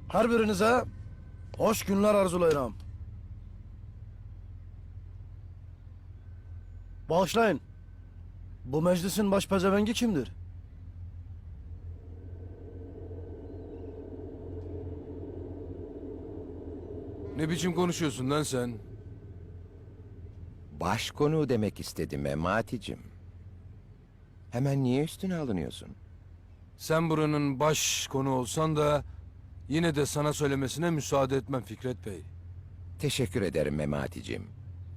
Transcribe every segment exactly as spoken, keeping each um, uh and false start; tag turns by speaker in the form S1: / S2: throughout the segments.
S1: Her birinize hoş günler arzulayıram. Bağışlayın. Bu meclisin baş pezevengi kimdir?
S2: Ne biçim konuşuyorsun lan sen?
S3: Başkonu demek istedim Memati'cim. Hemen niye üstüne alınıyorsun?
S2: Sen buranın baş konu olsan da yine de sana söylemesine müsaade etmem Fikret Bey.
S3: Teşekkür ederim Memati'cim.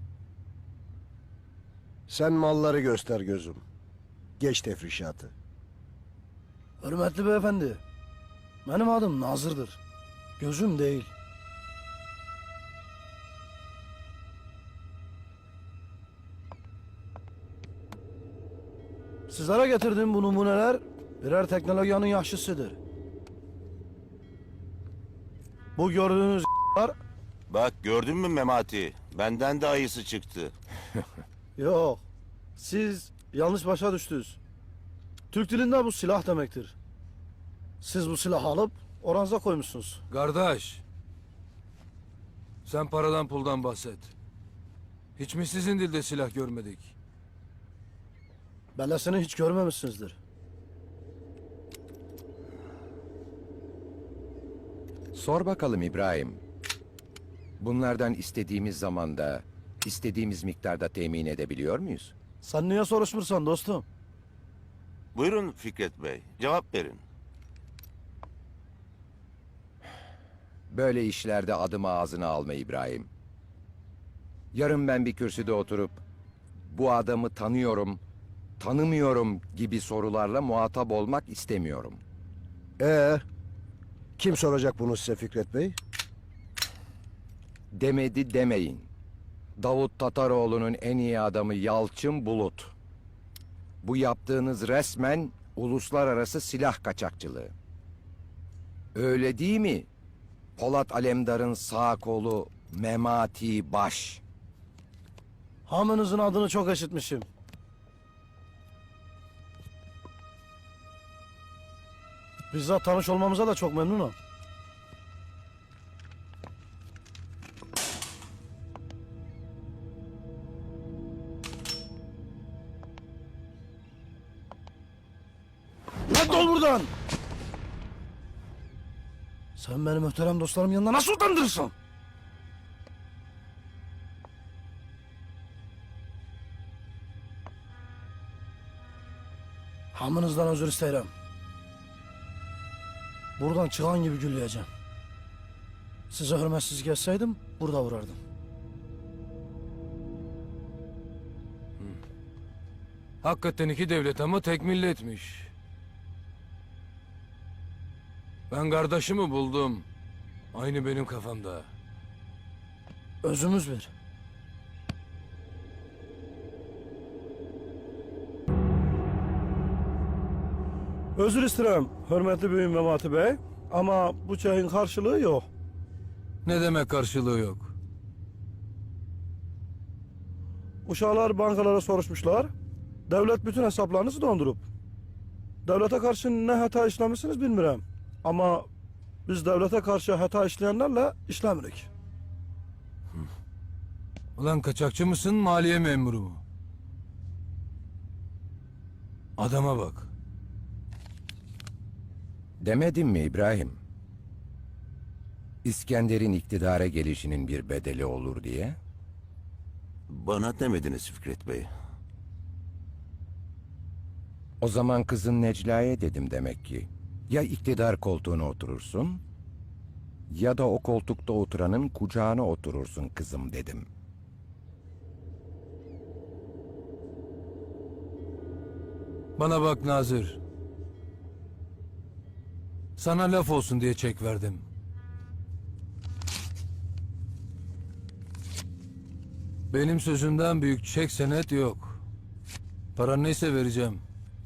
S4: Sen malları göster gözüm. Geç tefrişatı.
S1: Hürmetli beyefendi. Benim adım Nazır'dır. Gözüm değil. Sizlere getirdiğim bu numuneler birer teknolojinin yaşısıdır. Bu gördüğünüz var.
S5: Bak gördün mü Memati? Benden de ayısı çıktı.
S1: Yok. Siz yanlış başa düştünüz. Türk dilinde bu silah demektir. Siz bu silahı alıp oranıza koymuşsunuz.
S2: Kardeş, sen paradan puldan bahset. Hiç mi sizin dilde silah görmedik?
S1: Bellesini hiç görmemişsinizdir.
S3: Sor bakalım İbrahim. Bunlardan istediğimiz zamanda, istediğimiz miktarda temin edebiliyor muyuz?
S1: Sen niye soruşmursan dostum?
S5: Buyurun Fikret Bey, cevap verin.
S3: Böyle işlerde adımı ağzına alma İbrahim. Yarın ben bir kürsüde oturup bu adamı tanıyorum, tanımıyorum gibi sorularla muhatap olmak istemiyorum.
S4: Ee, kim soracak bunu size Fikret Bey?
S3: Demedi demeyin. Davut Tataroğlu'nun en iyi adamı Yalçın Bulut. Bu yaptığınız resmen uluslararası silah kaçakçılığı. Öyle değil mi? Polat Alemdar'ın sağ kolu Memati Baş.
S1: Hamınızın adını çok işitmişim. Bizzat tanış olmamıza da çok memnunum. Lan dol buradan! Sen benim muhterem dostlarım yanında nasıl utandırırsın? Hamınızdan özür isterim. Buradan çıkan gibi gülleyeceğim. Size hürmetsiz geçseydim burada vurardım.
S2: Hakikaten iki devlet ama tek milletmiş. Ben kardeşimi buldum. Aynı benim kafamda.
S1: Özümüz bir. Özür isterim hürmetli büyüğüm Memati Bey. Ama bu çayın karşılığı yok.
S2: Ne demek karşılığı yok?
S1: Uşaklar bankalara soruşmuşlar. Devlet bütün hesaplarınızı dondurup. Devlete karşı ne hata işlemişsiniz bilmiyorum. Ama biz devlete karşı hata işleyenlerle işlemirik.
S2: Ulan kaçakçı mısın, maliye memuru mu? Adama bak.
S3: Demedim mi İbrahim? İskender'in iktidara gelişinin bir bedeli olur diye.
S5: Bana demediniz Fikret Bey.
S3: O zaman kızın Necla'ya dedim demek ki. Ya iktidar koltuğuna oturursun, ya da o koltukta oturanın kucağına oturursun kızım dedim.
S2: Bana bak Nazır. Sana laf olsun diye çek verdim. Benim sözümden büyük çek senet yok. Paran neyse vereceğim.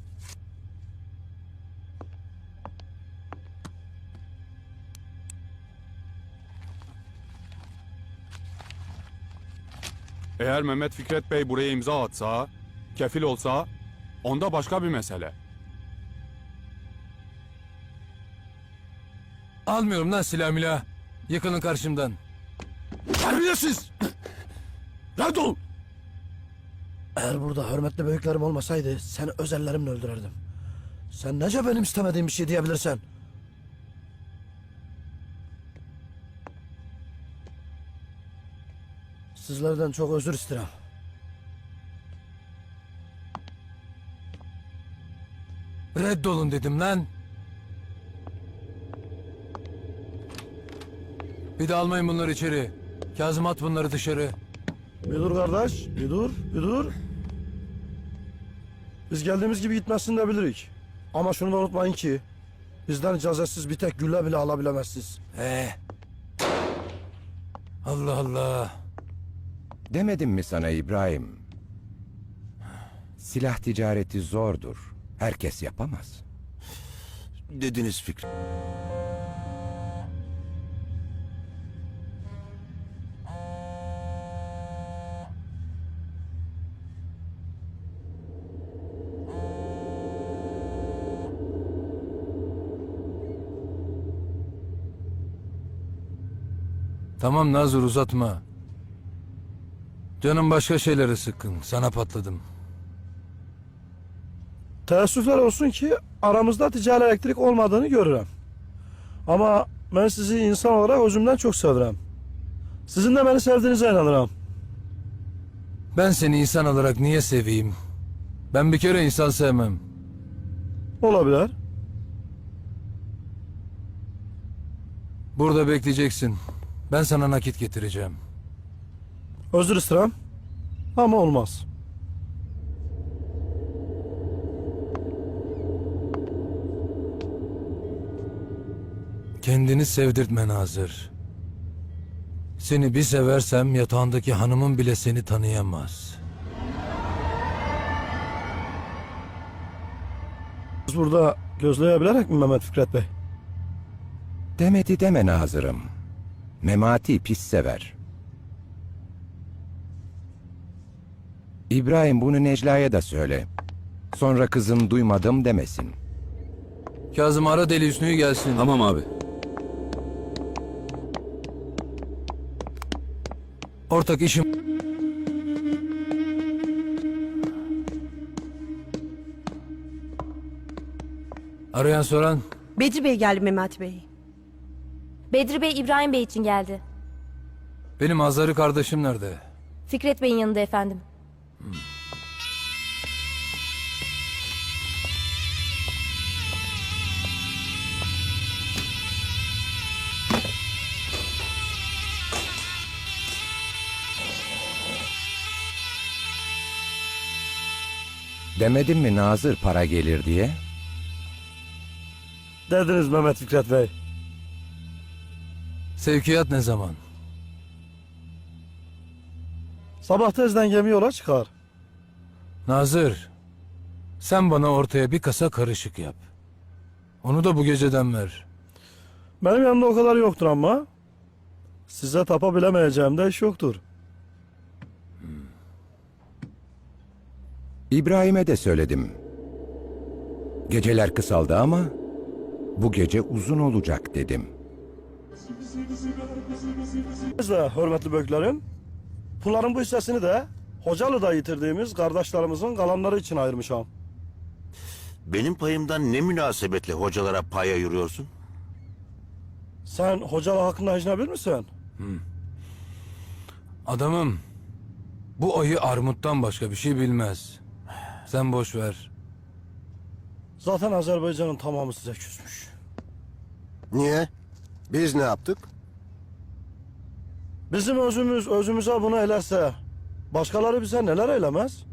S6: Eğer Mehmet Fikret Bey buraya imza atsa, kefil olsa, onda başka bir mesele.
S2: Almıyorum lan silah milah. Yıkılın karşımdan.
S1: Terbiyesiz! Redol! Eğer burada hürmetli büyüklerim olmasaydı seni öz ellerimle öldürürdüm. Sen nece benim istemediğim bir şey diyebilirsen? Sizlerden çok özür isterim.
S2: Reddolun dedim lan. Bir de almayın bunları içeri. Kazım at bunları dışarı.
S1: Bir dur kardeş, bir dur, bir dur. Biz geldiğimiz gibi gitmezsin de bilirik. Ama şunu da unutmayın ki bizden icazetsiz bir tek gülle bile alabilemezsiniz.
S2: Ee. Allah Allah.
S3: Demedim mi sana İbrahim? Silah ticareti zordur. Herkes yapamaz.
S5: Dediniz Fikret.
S2: Tamam Nazır uzatma. Canım başka şeylere sıkkın. Sana patladım.
S1: Teessüfler olsun ki aramızda ticari elektrik olmadığını görürüm. Ama ben sizi insan olarak özümden çok severim. Sizin de beni sevdiğinize inanırım.
S2: Ben seni insan olarak niye seveyim? Ben bir kere insan sevmem.
S1: Olabilir.
S2: Burada bekleyeceksin. Ben sana nakit getireceğim.
S1: Özür isterim. Ama olmaz.
S2: Kendini sevdirtme Nazır. Seni bir seversem yatağındaki hanımın bile seni tanıyamaz.
S1: Biz burada gözleyebilerek mi Mehmet Fikret Bey?
S3: Demedi deme Nazırım. Memati pis sever. İbrahim bunu Necla'ya da söyle. Sonra kızım duymadım demesin.
S2: Kazım ara Deli Hüsnü'yü gelsin.
S6: Tamam abi.
S2: Ortak işim... Arayan soran...
S7: Bedri Bey geldi Mehmet Bey.
S8: Bedri Bey İbrahim Bey için geldi.
S2: Benim Hazarı kardeşim nerede?
S8: Fikret Bey'in yanında efendim.
S3: Demedim mi Nazır para gelir diye?
S1: Dediniz Mehmet Fikret Bey.
S2: Sevkiyat ne zaman?
S1: Sabah tezden gemi yola çıkar.
S2: Nazır, sen bana ortaya bir kasa karışık yap. Onu da bu geceden ver.
S1: Benim yanımda o kadar yoktur ama size tapabilemeyeceğim de iş yoktur.
S3: İbrahim'e de söyledim. Geceler kısaldı ama bu gece uzun olacak dedim.
S1: Biz de hürmetli büyüklerim, bunların bu hissesini de Hocalı'da yitirdiğimiz kardeşlerimizin kalanları için ayırmışam.
S5: Benim payımdan ne münasebetle hocalara pay ayırıyorsun?
S1: Sen Hocalı hakkında ecnebi misin?
S2: Adamım, bu ayı armuttan başka bir şey bilmez. Sen boş ver.
S1: Zaten Azerbaycan'ın tamamı size küsmüş.
S4: Niye? Biz ne yaptık?
S1: Bizim özümüz özümüze bunu elerse başkaları bize neler eylemez?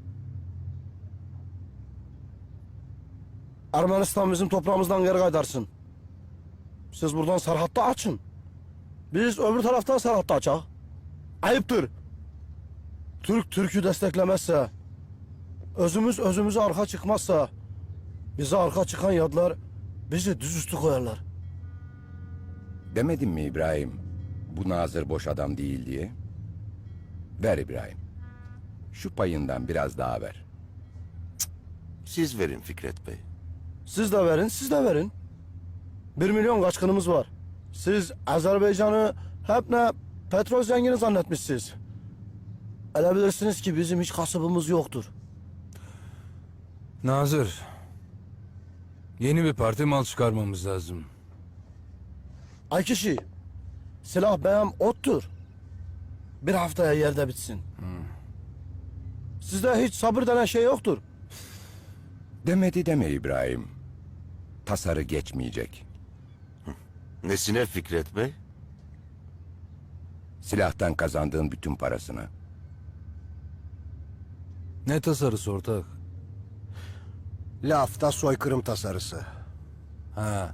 S1: Ermenistan bizim toprağımızdan geri kaydarsın. Siz buradan Serhat'ta açın. Biz öbür taraftan Serhat'ta açak. Ayıptır. Türk Türk'ü desteklemezse, özümüz özümüze arka çıkmazsa, bize arka çıkan yadlar bizi düzüstü koyarlar.
S3: Demedim mi İbrahim? Bu Nazır boş adam değil diye. Ver İbrahim. Şu payından biraz daha ver.
S5: Siz verin Fikret Bey.
S1: Siz de verin, siz de verin. Bir milyon kaçkınımız var. Siz Azerbaycan'ı hep ne petrol zengini zannetmişsiniz. Ele bilirsiniz ki bizim hiç kasabımız yoktur.
S2: Nazır. Yeni bir parti mal çıkarmamız lazım.
S1: Ay kişi, silah benim ottur. Bir haftaya yerde bitsin. Sizde hiç sabır denen şey yoktur.
S3: Demedi deme İbrahim. Tasarı geçmeyecek.
S5: Nesine Fikret Bey?
S3: Silahtan kazandığın bütün parasını.
S2: Ne tasarısı ortak?
S4: Lafta soykırım tasarısı.
S2: Ha.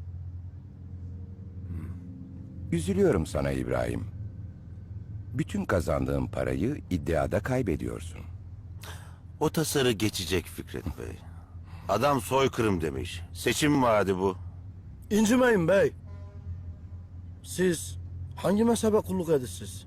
S3: Üzülüyorum sana İbrahim. Bütün kazandığın parayı iddiada kaybediyorsun.
S5: O tasarı geçecek Fikret Bey. Adam soykırım demiş. Seçim vaadi bu.
S1: İncimeyin bey. Siz hangi mezhebe kulluk edirsiniz?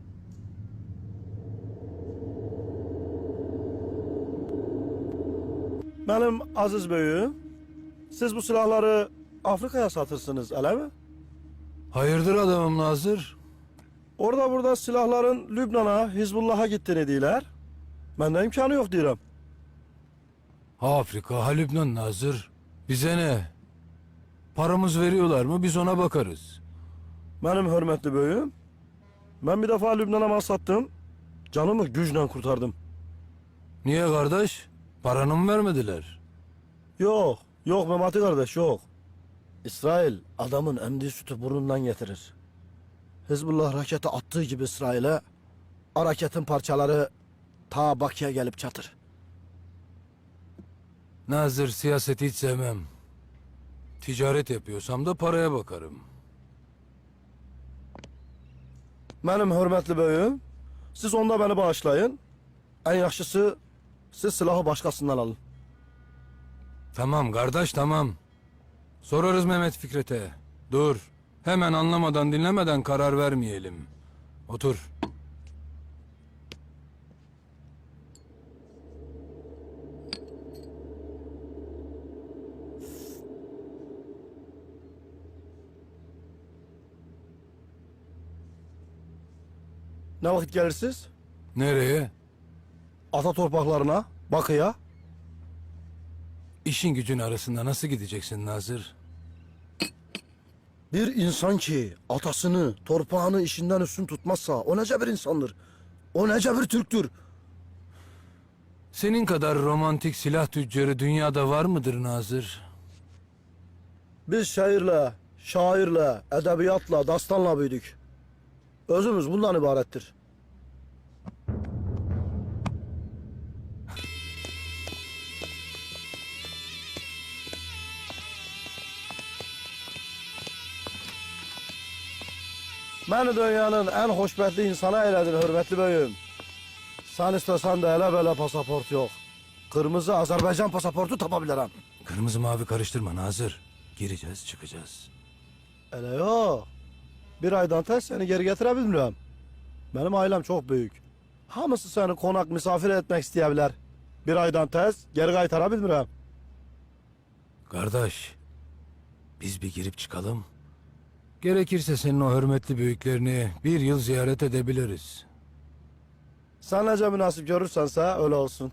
S1: Benim aziz beyim, siz bu silahları Afrika'ya satırsınız, öyle mi?
S2: Hayırdır adamım Nazır?
S1: Orada burada silahların Lübnan'a, Hizbullah'a gittiğini diyorlar. Bende imkanı yok diyorum.
S2: Ha Afrika, ha Lübnan Nazır. Bize ne? Paramız veriyorlar mı biz ona bakarız.
S1: Benim hürmetli beyim, ben bir defa Lübnan'a mal sattım, canımı güçle kurtardım.
S2: Niye kardeş? Paranı mı vermediler?
S1: Yok, yok Memati kardeş yok. İsrail adamın emdiği sütü burnundan getirir. Hizbullah raketi attığı gibi İsrail'e, o raketin parçaları ta Bakü'ye gelip çatır.
S2: Nazır, siyaseti hiç sevmem. Ticaret yapıyorsam da paraya bakarım.
S1: Benim hürmetli beyim, siz onda beni bağışlayın. En yaxşısı siz silahı başkasından alın.
S2: Tamam kardeş tamam. Sorarız Mehmet Fikret'e. Dur. Hemen anlamadan dinlemeden karar vermeyelim. Otur.
S1: Ne vakit gelirsiniz?
S2: Nereye?
S1: Ata torpaklarına, Bakı'ya.
S2: İşin gücün arasında nasıl gideceksin Nazır?
S1: Bir insan ki atasını, torpağını işinden üstün tutmazsa o nece bir insandır? O nece bir Türktür?
S2: Senin kadar romantik silah tüccarı dünyada var mıdır Nazır?
S1: Biz şairle, şairle, edebiyatla, dastanla büyüdük. Özümüz bundan ibarettir. Beni dünyanın en hoşbetli insana eyledin hürmetli beyim. Sen istesen de hele böyle pasaport yok. Kırmızı Azerbaycan pasaportu tapabilirim.
S2: Kırmızı mavi karıştırma Nazır. Gireceğiz çıkacağız.
S1: Öyle yok. Bir aydan tez seni geri getirebilmiyorum. Benim ailem çok büyük. Hamısı seni konak misafir etmek isteyebilir. Bir aydan tez geri kaytarabilmiyorum.
S2: Kardeş, biz bir girip çıkalım. Gerekirse senin o hürmetli büyüklerini bir yıl ziyaret edebiliriz.
S1: Sen nece münasip görürsense öyle olsun.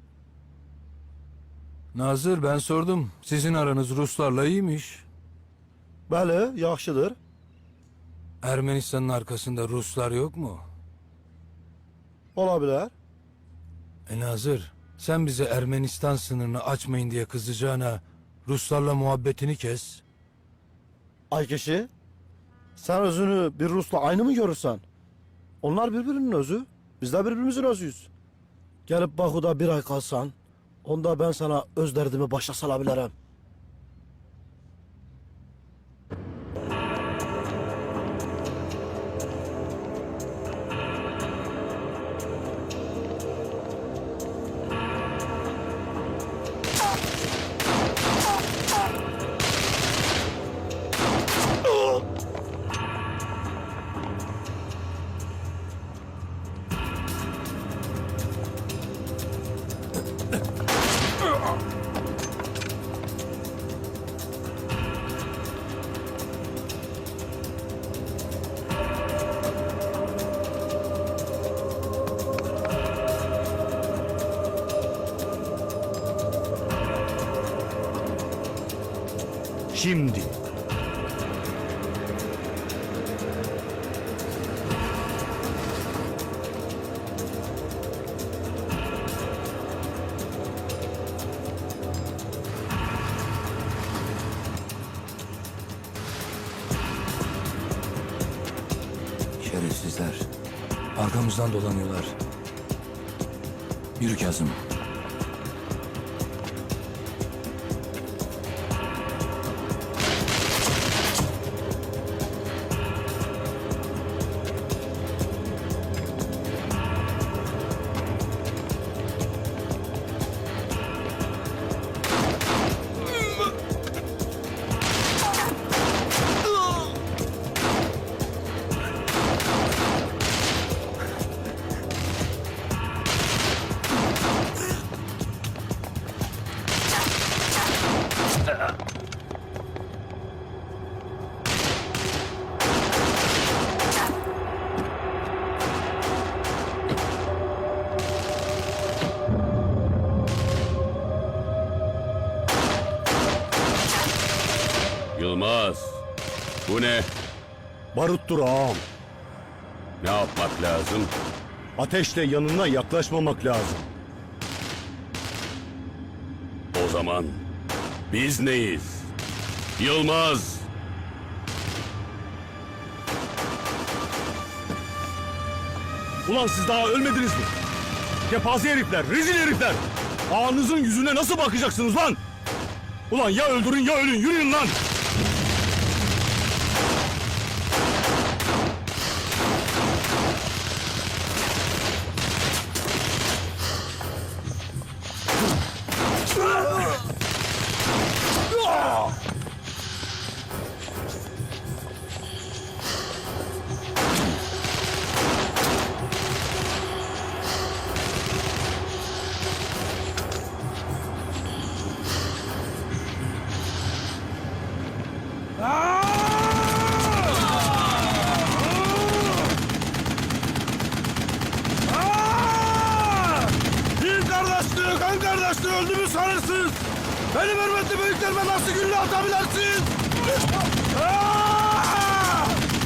S2: Nazır ben sordum. Sizin aranız Ruslarla iyiymiş.
S1: Bəli, yaxşıdır.
S2: Ermenistan'ın arkasında Ruslar yok mu?
S1: Ola bilər.
S2: E Nazır, sen bize Ermenistan sınırını açmayın diye kızacağına Ruslarla muhabbetini kes.
S1: Ay kişi, sen özünü bir Rus'la aynı mı görürsen? Onlar birbirinin özü, biz de birbirimizin özüyüz. Gelip Baku'da bir ay kalsan, onda ben sana öz derdimi başa salabilirim.
S9: Şimdi.
S2: Şerefsizler. Arkamızdan dolanıyorlar. Yürü Kazım.
S10: Yılmaz, bu ne?
S9: Baruttur ağam.
S10: Ne yapmak lazım?
S9: Ateşle yanına yaklaşmamak lazım.
S10: O zaman biz neyiz? Yılmaz!
S9: Ulan siz daha ölmediniz mi? Kepaze herifler, rezil herifler. Ağanızın yüzüne nasıl bakacaksınız lan? Ulan ya öldürün ya ölün, yürüyün lan!
S1: Din kardeşliği, kan kardeşliği öldü mü sanırsınız? Benim hürmetli büyüklerime nasıl gülle atabilirsiniz? Aa!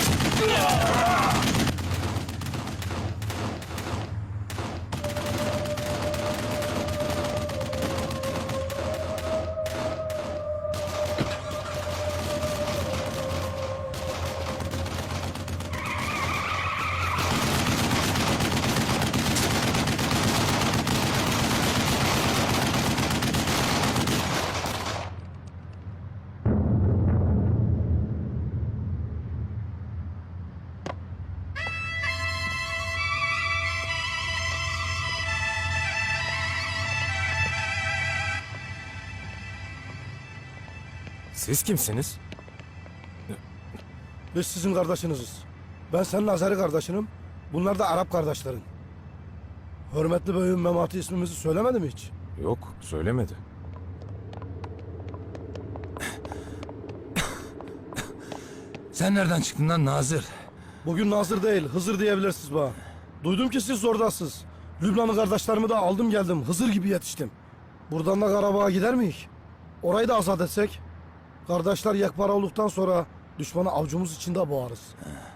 S2: Siz kimsiniz?
S1: Biz sizin kardeşiniziz. Ben senin Azeri kardeşinim. Bunlar da Arap kardeşlerin. Hürmetli beyim Memati ismimizi söylemedi mi hiç?
S2: Yok, söylemedi. Sen nereden çıktın lan Nazır?
S1: Bugün Nazır değil, Hızır diyebilirsiniz bana. Duydum ki siz oradasınız. Lübnanlı kardeşlerimi de aldım geldim. Hızır gibi yetiştim. Buradan da Karabağ'a gider miyiz? Orayı da azat etsek. Kardeşler yekpare olduktan sonra düşmanı avcumuz içinde boğarız.